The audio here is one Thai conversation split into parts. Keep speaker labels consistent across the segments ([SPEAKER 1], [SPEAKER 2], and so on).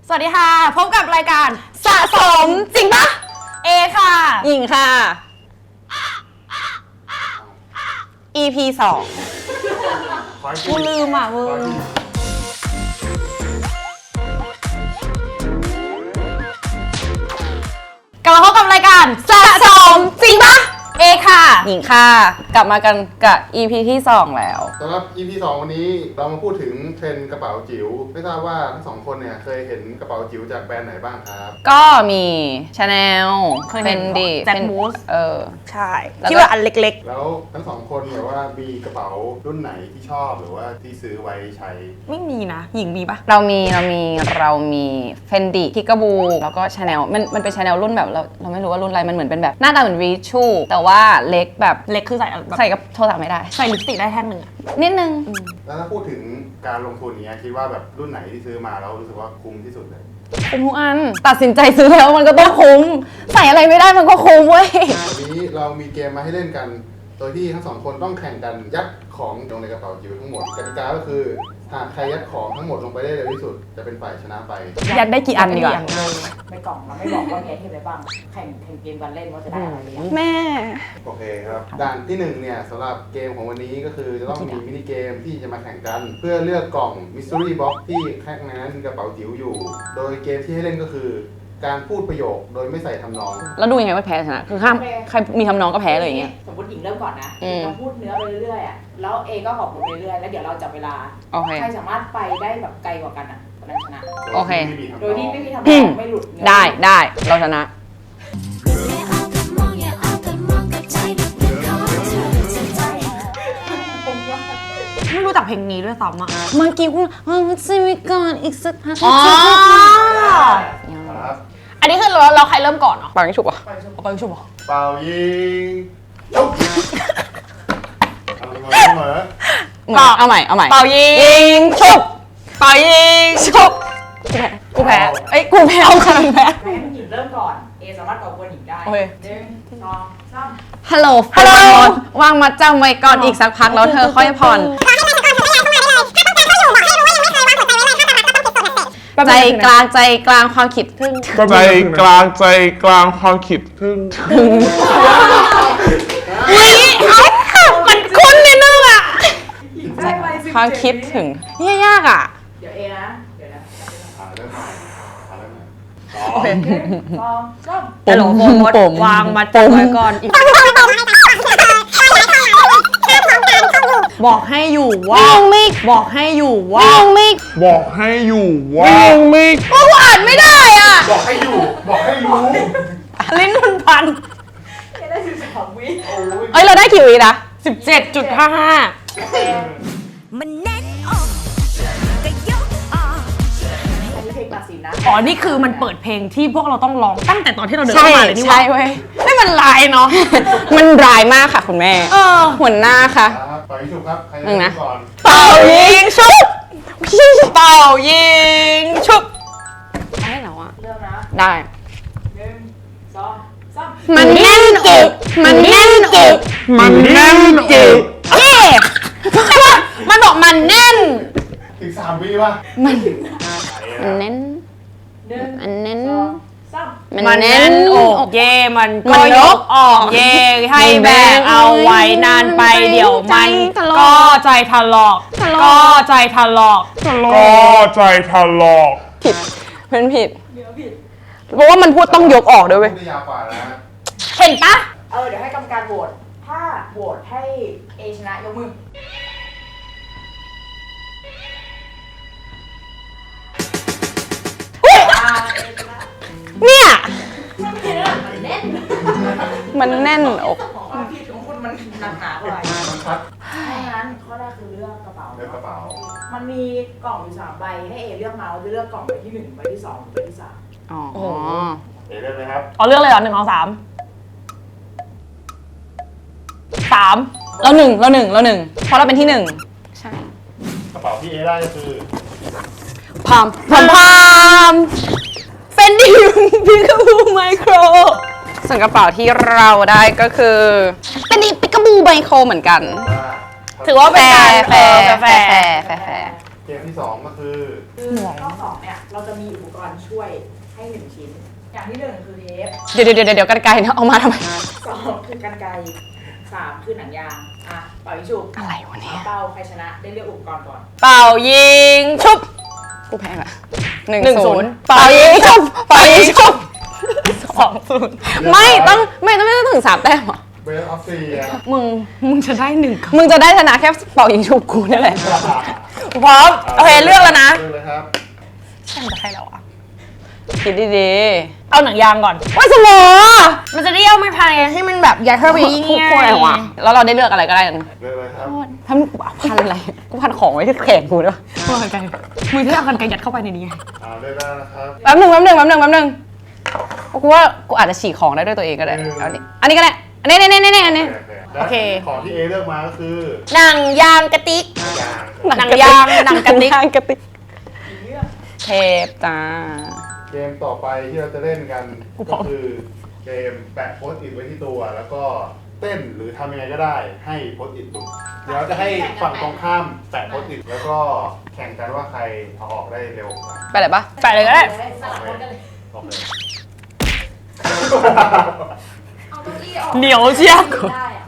[SPEAKER 1] สวัสดีค่ะพบกับรายการ
[SPEAKER 2] สะสมจริงปะ
[SPEAKER 1] เอค่ะ
[SPEAKER 2] หญิงค่ะ EP 2
[SPEAKER 1] กูลืมอ่ะมึงกลับมาพบกับรายการ
[SPEAKER 2] สะสมจริงปะ
[SPEAKER 1] เอค่ะ
[SPEAKER 2] หญิงค่ะกลับมากันกับ EP ที่ 2 แล้ว
[SPEAKER 3] สำหรับ EP 2 วันนี้เรามาพูดถึงเทรนด์กระเป๋าจิ๋วไม่ทราบว่าทั้งสองคนเนี่ยเคยเห็นกระเป๋าจิ๋วจากแบรนด์ไหนบ้างครับ
[SPEAKER 2] ก็มี Chanel
[SPEAKER 1] เคยเห็น
[SPEAKER 2] Fendi
[SPEAKER 1] แจ็คมูส
[SPEAKER 2] ใช่
[SPEAKER 1] ที่ว่าอันเล็ก
[SPEAKER 3] แล้วทั้งสองคนแบบว่ามีกระเป๋ารุ่นไหนที่ชอบหรือว่าที่ซื้อไว้ใช้
[SPEAKER 1] ๆไม่มีนะหญิงมีปะ
[SPEAKER 2] เรามี Fendi Kickaboo แล้วก็ Chanel มันเป็น Chanel รุ่นแบบเราไม่รู้ว่ารุ่นอะไรมันเหมือนเป็นแบบหน้าตาเหมือน Richu แต่ว่าเล็กแบบ
[SPEAKER 1] เล็กคือใส่แบบ
[SPEAKER 2] ใส่กับโทรศัพท์ไม่ได้
[SPEAKER 1] ใส่ลิปสติกได้แท่งหนึ่งอะ
[SPEAKER 2] นิดนึง
[SPEAKER 3] แล้วถ้าพูดถึงการลงทุนเนี้ยคิดว่าแบบรุ่นไหนที่ซื้อมาแล้วรู้สึกว่าคุ้มที่สุดเลย
[SPEAKER 2] คุ้มทุกอันตัดสินใจซื้อแล้วมันก็ต้องคุ้มใส่อะไรไม่ได้มันก็คุ้มเว้ย
[SPEAKER 3] วันนี้เรามีเกมมาให้เล่นกัน โดยที่ทั้งสองคนต้องแข่งกันยัดของลงในกระเป๋าจิ๋วทั้งหมดกติกาก็คือหากใครยัดของทั้งหมดลงไปได้เร็วที่สุดจะเป็นฝ่ายชนะไป
[SPEAKER 2] ยัดได้กี่อันดีกว่า
[SPEAKER 4] ในกล่องเราไม่บอกว่ามีไอเทมอะไรบ้างแข่งเกมกันเล่นว่าจะได้อะไรบ้าง
[SPEAKER 2] แม่
[SPEAKER 3] โอเคครับด่านที่1เนี่ยสำหรับเกมของวันนี้ก็คือจะต้องมีมินิเกมที่จะมาแข่งกัน เพื่อเลือกกล่อง Mystery Box ที่ข้างในนั้นมีกระเป๋าจิ๋วอยู่ โดยเกมที่ให้เล่นก็คือการพูดประโยคโดยไม่ใส่ทำนอง
[SPEAKER 2] แล้วดูยังไงว่าแพ้ชนะคือห้ามใครมีทำน้องก็แพ้เลยอย่างเงี้ย
[SPEAKER 4] สมมติหญิงเริ่มก่อนนะ
[SPEAKER 2] อืม
[SPEAKER 4] เราพูดเนื้อไปเรื่อยๆอ่ะแล้วเอก็ขอบคุณไปเรื่อยๆแล้วเดี๋ยวเราจับเวลา
[SPEAKER 2] โอเค
[SPEAKER 4] ใครสามารถไปได้แบบไกลกว่ากันอ่ะคนนั้นชนะ
[SPEAKER 2] โอเค
[SPEAKER 4] โดยที่ไม่มีทำนองไม่หลุดเนื้อ
[SPEAKER 2] ได้เราชนะ
[SPEAKER 1] ไม่รู้จักเพลงนี้ด้วยซ้ำอ่ะ
[SPEAKER 2] เมื่อกี้คุณมันจะมีก่อนอีกสักพัก
[SPEAKER 1] อ๋อ
[SPEAKER 3] ครับ
[SPEAKER 1] อันนี้คือเราใครเริ่มก่อนเนาะ
[SPEAKER 2] ปังฉุบอ่ะ
[SPEAKER 1] เอาไปชุบเหรอ
[SPEAKER 3] เป่ายิงชุบเอาเสมอ
[SPEAKER 2] เอาใหม่
[SPEAKER 1] เป่ายิง
[SPEAKER 2] ฉุบ
[SPEAKER 1] เป่ายิง
[SPEAKER 2] ฉุบกูแพ้เอ้ยกูแพ้เอาใครแพ้
[SPEAKER 4] ให้หญิงเริ่มก่อนเอสามารถก่อกวนหญิงได้
[SPEAKER 1] โอเค
[SPEAKER 4] 1 2 3
[SPEAKER 2] ฮัลโหลวางมัดจำไว้ก่อนอีกสักพักแล้วเธอค่อยผ่อนใจกลางความคิดถึง
[SPEAKER 5] ใจกลางความคิดถึง
[SPEAKER 2] มันคุ้นนิดนึงอ่ะ
[SPEAKER 4] ได้ไป
[SPEAKER 2] ความคิดถึงเนี่ยยากอ่ะ
[SPEAKER 4] เดี๋ยวเอนะเดี๋ยวนะ
[SPEAKER 3] เริ่มใหม่เริ่มใหม่
[SPEAKER 1] โอเค
[SPEAKER 4] 2 3
[SPEAKER 1] ฮัลโหลโฟมดวางมาจับไว้ก่อนอีกบอกให้อยู่ว่าบอกให้อยู่ว่า
[SPEAKER 5] บอกให้อยู่ว่าไม่
[SPEAKER 2] กูอ่านไม่ได้อ่ะ
[SPEAKER 3] บอกให้อยู่บอกให้รู้
[SPEAKER 2] ลิ้นมันพัน
[SPEAKER 4] เอได้12 วิ
[SPEAKER 2] เอ้ยเราได้กี่วินะ
[SPEAKER 1] 17.55
[SPEAKER 6] มันแน่นอกก็ยกออก
[SPEAKER 4] อันนี้เพลงตัดสินนะ
[SPEAKER 1] อ๋อ นี่คือมันเปิดเพลงที่พวกเราต้องร้องตั้งแต่ตอนที่เราเดิน
[SPEAKER 2] ใช่
[SPEAKER 1] เข้ามาเลยนี่หว่า
[SPEAKER 2] ใช่เว้ย
[SPEAKER 1] ไม่มันลายเนาะ
[SPEAKER 2] มันร้ายมากค่ะคุณแม่ หัวหน้าค่ะ
[SPEAKER 3] ครับปล่อยชุบครับใคร
[SPEAKER 2] หนึ่งนะ
[SPEAKER 3] เริ่มก่อน
[SPEAKER 2] เป่ายิงชุบ
[SPEAKER 1] เป่ายิงชุบ
[SPEAKER 2] ได้แล้วอ่ะ
[SPEAKER 4] เริ่มนะ
[SPEAKER 2] ได้
[SPEAKER 4] 1 2 3
[SPEAKER 2] มันแน่นอกมันแน่นอก
[SPEAKER 5] มันแน่นอก
[SPEAKER 2] เย้มันบอกมันแน่น
[SPEAKER 3] ถึง3 วิป่ะ
[SPEAKER 2] มันแน่น
[SPEAKER 4] 1
[SPEAKER 2] มันแน่น
[SPEAKER 4] 2 3
[SPEAKER 2] มันแน่น
[SPEAKER 1] อกเย่มัน
[SPEAKER 2] มั
[SPEAKER 1] ก็
[SPEAKER 2] น
[SPEAKER 1] ย
[SPEAKER 2] ย
[SPEAKER 1] ก
[SPEAKER 2] ก
[SPEAKER 1] ออกเย่ให้แบกเอาไว้นานไปเดี๋ยวมัน
[SPEAKER 2] ใจถลอก
[SPEAKER 1] ก็ใจถลอก ก็ใจถลอก
[SPEAKER 5] ก็ใจทะลอก
[SPEAKER 2] ผิดเพื่อนผิดเพราะว่ามันพูดต้องยกออกด้วยเว้ย
[SPEAKER 3] พูดได้ยาวกว่านะ
[SPEAKER 1] เห็นปะ
[SPEAKER 4] เดี๋ยวให้กรรมการโหวต ถ้าโหวตให้เอชนะยกมือ
[SPEAKER 2] เนี่ย
[SPEAKER 4] มันแน่น
[SPEAKER 2] มันแน่นอก
[SPEAKER 4] ความผิดของคุณมันหนักหนาเท่าไหร่
[SPEAKER 3] มันชัด
[SPEAKER 4] ถ้างั้นข้อแรกคือเลือกกระเป๋า
[SPEAKER 3] เลือกกระเป๋า
[SPEAKER 4] มันมีกล่องอยู่3 ใบ ให้เอเลือกมาว่าจะเลือกกล่องใบที่ 1 ใบที่ 2 ใบที่ 3
[SPEAKER 2] อ๋อ
[SPEAKER 3] เดี๋ยวเริ่มเลยครับ
[SPEAKER 1] เอาเรื่องเลยเหรอ1 2 3 3
[SPEAKER 2] เราหนึ่งเพราะเราเป็นที่ 1 ใช่
[SPEAKER 3] กระเป๋าที่เอได้ก็คือ
[SPEAKER 2] พามเฟนดี้พิกาบูไมโครส่วนกระเป๋าที่เราได้ก็คือเป็นพิกาบูไมโครเหมือนกัน
[SPEAKER 3] ว่า
[SPEAKER 1] ถือว่าเป็นการ
[SPEAKER 2] แฟร์
[SPEAKER 3] เกมที่ 2 ก็คือ
[SPEAKER 4] คือข้อ2เนี่ยเราจะมีอุปกรณ์ช่วยให้1ชิ้น อย่างที่1คือเทป
[SPEAKER 2] เดี๋ยวกันไกลนะเอามาทำไม
[SPEAKER 4] 2คือกรรไกร3คือหนังยางอ่ะเป่ายิงฉุบ
[SPEAKER 2] อะไรวะเนี่ย
[SPEAKER 4] เป่าใครชนะได้เลือกอุปกรณ์ก่อน
[SPEAKER 2] เป่ายิงชุบกูแพ้ละ
[SPEAKER 1] 1-0
[SPEAKER 2] เป่ายิงชุบเป่ายิงชุบ
[SPEAKER 1] 2-0
[SPEAKER 2] ไม่ต้องถึง3 แต้มเหรอ
[SPEAKER 3] เบสออฟเซีย
[SPEAKER 1] มึงจะได้1
[SPEAKER 2] มึงจะได้ชนะแค่เป่ายิงชุบกูนี่แหละ
[SPEAKER 1] พร้อมโอเคเลือกแล้วนะ
[SPEAKER 3] เลือกเลยครับ
[SPEAKER 1] ฉันจะให้เราอ่ะ
[SPEAKER 2] คิดดี
[SPEAKER 1] เอาหนังยางก่อน
[SPEAKER 2] ๆว่าสมอ
[SPEAKER 1] มันจะได้เอาไม้พายให้มันแบบยัดเข้าไปยิ่ง
[SPEAKER 2] พูดอะไรวะแล้วเราได้เลือกอะไรก็ได้กัน
[SPEAKER 3] เลือกเลยครับ
[SPEAKER 2] ทำพันอะไรกูพันของไว้ที่แขนกูด้วย
[SPEAKER 1] มือกันมือที่เอากันไกยัดเข้าไปในนี้ไง
[SPEAKER 3] เลือกได้นะครับ
[SPEAKER 2] แป๊บหนึ่งกูว่ากูอาจจะฉีกของได้ด้วยตัวเองก็ได้เอาดิอันนี้ก็ได้อันนี้
[SPEAKER 3] โอเคของที่เอเลือกมาก็คือ
[SPEAKER 1] หนังยางกระติก
[SPEAKER 3] ยาง
[SPEAKER 1] หนังยางหนังกระติก
[SPEAKER 2] กระติกเทปจ้า
[SPEAKER 3] เกมต่อไปที่เราจะเล่นกันก็คือเกมแปะโพสต์อิทไว้ที่ตัว แล้วก็เต้นหรือทำยังไงก็ได้ให้โพสต์อิทหลุดเดี๋ยวจะให้ฝั่งตรงข้ามแปะโพสต์อิทแล้วก็แข่งกันว่าใครเอาออกได้เร็วกว่า
[SPEAKER 2] ไปเลยปะ
[SPEAKER 1] แปะเลยก็ได้
[SPEAKER 4] สลับคนกันเลย
[SPEAKER 3] โอเค
[SPEAKER 4] เอาเก้าอี้ออก
[SPEAKER 1] เหนียวเชียว
[SPEAKER 4] ได้อะ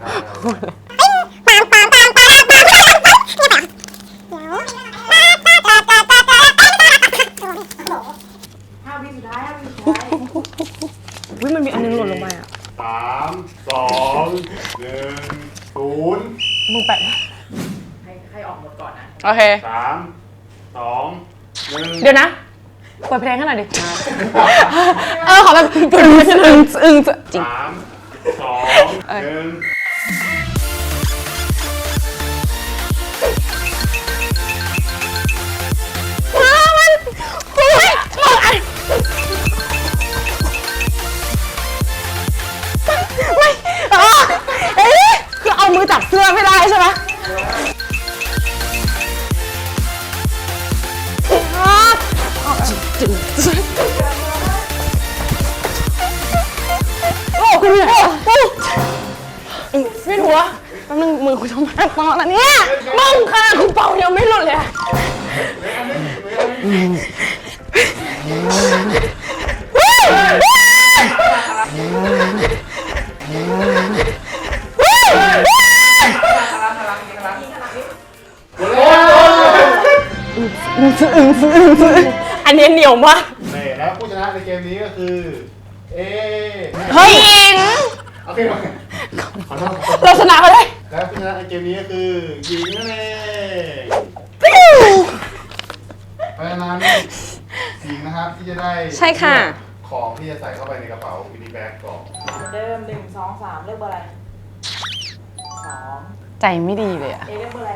[SPEAKER 4] 5 วิสุดท้าย5 วิสุดท้าย
[SPEAKER 1] วิมันมีอันนึงหล่นลงไปอ่ะ
[SPEAKER 3] 3 2 1 0
[SPEAKER 1] มึงแปะ
[SPEAKER 4] ให้ออกหมดก่อนนะ
[SPEAKER 2] โอเค
[SPEAKER 3] 3 2 1
[SPEAKER 1] เดี๋ยวนะเปิดเพลงให้หน่อยดิ
[SPEAKER 2] ขอแบบจริง
[SPEAKER 3] 3 2 1
[SPEAKER 2] คือเอามือจับเสื้อไม่ได้ใช่ไหมโอ้คุณเนี่ยไม่รู้ว่าแป๊บนึงมือคุณทำไมตอนแล้วเนี่ยมึงค่ะคุณเป่ายังไม่หลุดเลย
[SPEAKER 1] อันนี้เหนียวมาก
[SPEAKER 3] แล้วผู้ชนะในเกมนี้ก็คือ เอ
[SPEAKER 2] เฮ้ย
[SPEAKER 3] โอเคขอโทษ
[SPEAKER 2] เราชนะเขาเลย
[SPEAKER 3] แล้วผู้ชนะในเกมนี้ก็คือหญิงนั่นเองเพราะฉะนั้นหญิงนะครับที่จะได้
[SPEAKER 2] ใช่ค่ะ
[SPEAKER 3] ของที่จะใส่เข้าไปในกระเป๋ามินิแบ็กก่อน
[SPEAKER 4] เหมือนเดิม1 2 3เลือกเบอร์อะไร2
[SPEAKER 2] ใจไม่ดีเลยอะ
[SPEAKER 4] เลือกเบอร์อะไร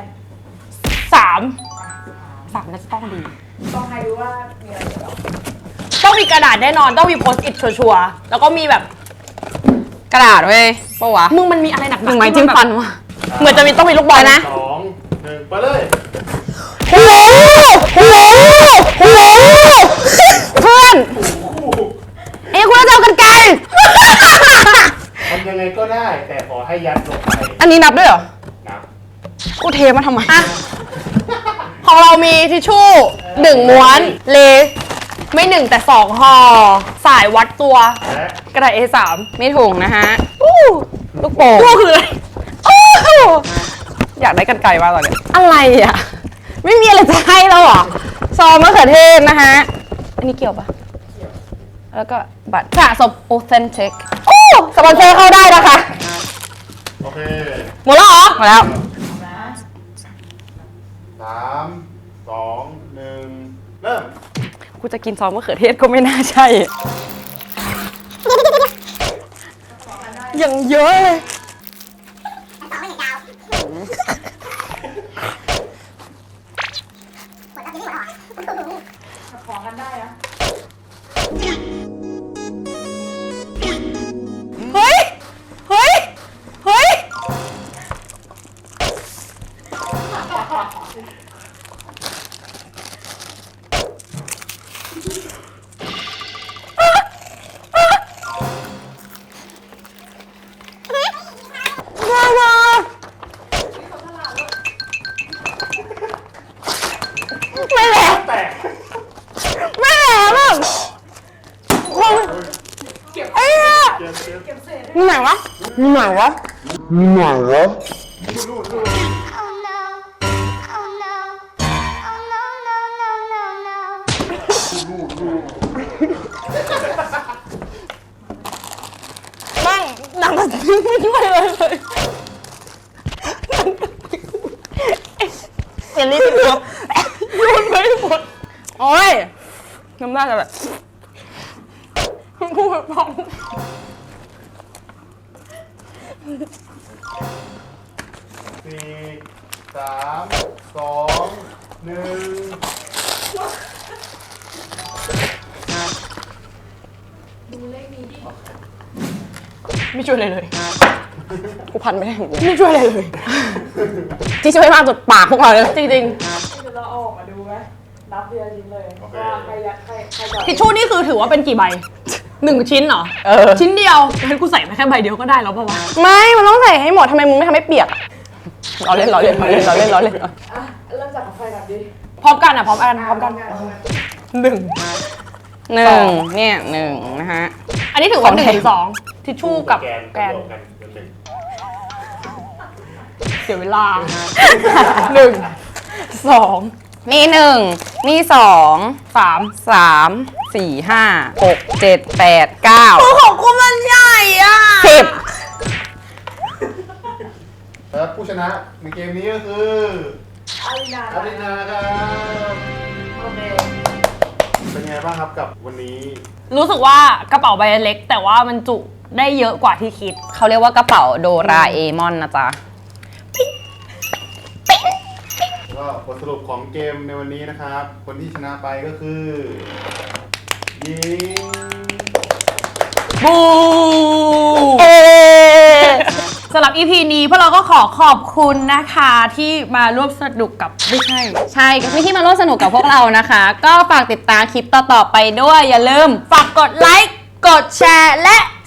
[SPEAKER 1] 3น่าจะต้องดี
[SPEAKER 4] ต้องให้รู้ว่ามีอะไรเกี่ยวกับ
[SPEAKER 1] ต้องมีกระดาษแน่นอน ต้องมีโพสต์อิทชัวร์ๆแล้วก็มีแบบ
[SPEAKER 2] กระดาษเว้ยปะวะ
[SPEAKER 1] มึงมันมีอะไรหนักๆ
[SPEAKER 2] มึงไม้จิ้มฟันวะ
[SPEAKER 1] เหมือนจะมีต้องมีลูกบอลนะ
[SPEAKER 3] 2 1ไปเลย
[SPEAKER 2] โอ้โหเพื่อนเอ้ยคุณจะเอากันไกล
[SPEAKER 3] ทำยังไงก็ได้แต่ขอให้ยัดลงไป
[SPEAKER 2] อันนี้นับด้วยเหรอ
[SPEAKER 3] นับ
[SPEAKER 2] กูเทมาทำไม
[SPEAKER 1] ของเรามีทิชชู่1 ม้วนเลไม่1แต่2ห่อสายวัดตัว
[SPEAKER 3] และ
[SPEAKER 1] กระดาษ A3
[SPEAKER 2] ไม่ถูกนะฮะลูกโป่ง
[SPEAKER 1] ก็คืออะไร
[SPEAKER 2] อยากได้กันไกลมากตอนนี้อะไรอ่ะ ไม่มีอะไรจะให้แล้วเหรอ ซอสมะเขือเทศนะฮะ อันนี้เกี่ยวปะแล้วก็บัตรสะสม authentic โอ้สปอนเซอร์เข้าได้นะคะ
[SPEAKER 3] โอเค
[SPEAKER 2] หมดแล้วเหรอหมดแล้ว
[SPEAKER 4] นะ
[SPEAKER 3] 3 2 1 เริ่ม
[SPEAKER 2] กูจะกินซอสมะเขือเทศก็ไม่น่าใช่ อย่างเยอะเลย
[SPEAKER 4] ของกันได้นะ
[SPEAKER 2] เฮ้ย เฮ้ย เฮ้ยมีไหนวะ
[SPEAKER 6] Oh no. Oh no. Oh no, no, no, no, no.
[SPEAKER 2] บ้างหนังมันไม่ช่วยเลยเห็นนี่ติดตัวโยนไปหมดโอ้ยน้ำหน้าจะแบบพูดแบบพอง
[SPEAKER 3] 4 3 2 1
[SPEAKER 2] ไม่ช่วยเลยกูพันไม่ได้อย่างเงี้ยไม่ช่วยเลยที่ช่วยมากสุดปากพวกเราเลยจริง
[SPEAKER 4] เราเอาออกมาดูไหมนับเดียวชิ้นเลยว่าใครยัดใครจะ
[SPEAKER 1] ทิชชู่นี่คือถือว่าเป็นกี่ใบ1 ชิ้นเหรอ ชิ้นเดียวงั้นกูใส่มาแค่ใบเดียวก็ได้แล้วป่าวะ
[SPEAKER 2] ๆไม่มันต้องใส่ให้หมดทำไมมึงไม่ทำให้เปียกเราเล่น
[SPEAKER 4] อ่ะเริ่มจากกาแฟกันดิ
[SPEAKER 1] พร้อมกันอ่ะพร้อมกัน1
[SPEAKER 2] หนึ่งเนี่ยหนึ่งนะฮะ
[SPEAKER 1] อันนี้ถือว่า1 ถึง 2ทิชชู่กับแกนเสียเวลา 1 2
[SPEAKER 2] นี่หนึ่งนี่สอง
[SPEAKER 1] 3
[SPEAKER 2] สามสี่ห้าหกเจ็ดแปดเก้า
[SPEAKER 1] ของกูมันใหญ่อ่ะ
[SPEAKER 2] 10
[SPEAKER 3] และผู้ชนะในเกมนี้ก็คือ
[SPEAKER 4] อารินา
[SPEAKER 3] อารินาครับ
[SPEAKER 4] โอเค
[SPEAKER 3] เป็นไงบ้างครับกับวันนี้
[SPEAKER 1] รู้สึกว่ากระเป๋าใบเล็กแต่ว่ามันจุได้เยอะกว่าที่คิด
[SPEAKER 2] เขาเรียกว่ากระเป๋าโดราเอมอนนะจ๊ะ
[SPEAKER 3] ก็บทสรุปของเกมในวันนี้นะครับ คนที่ชนะไปก็คือยิง
[SPEAKER 1] บูสำหรับ EP นี้พวกเราก็ขอขอบคุณนะคะที่มาร่วมสนุกกับไม่ใช่
[SPEAKER 2] ใช่ก็ที่มาร่วมสนุกกับพวกเรานะคะ ก็ฝากติดตามคลิปต่อๆไปด้วยอย่าลืม
[SPEAKER 1] ฝากกดไลค์ กดแชร์ และ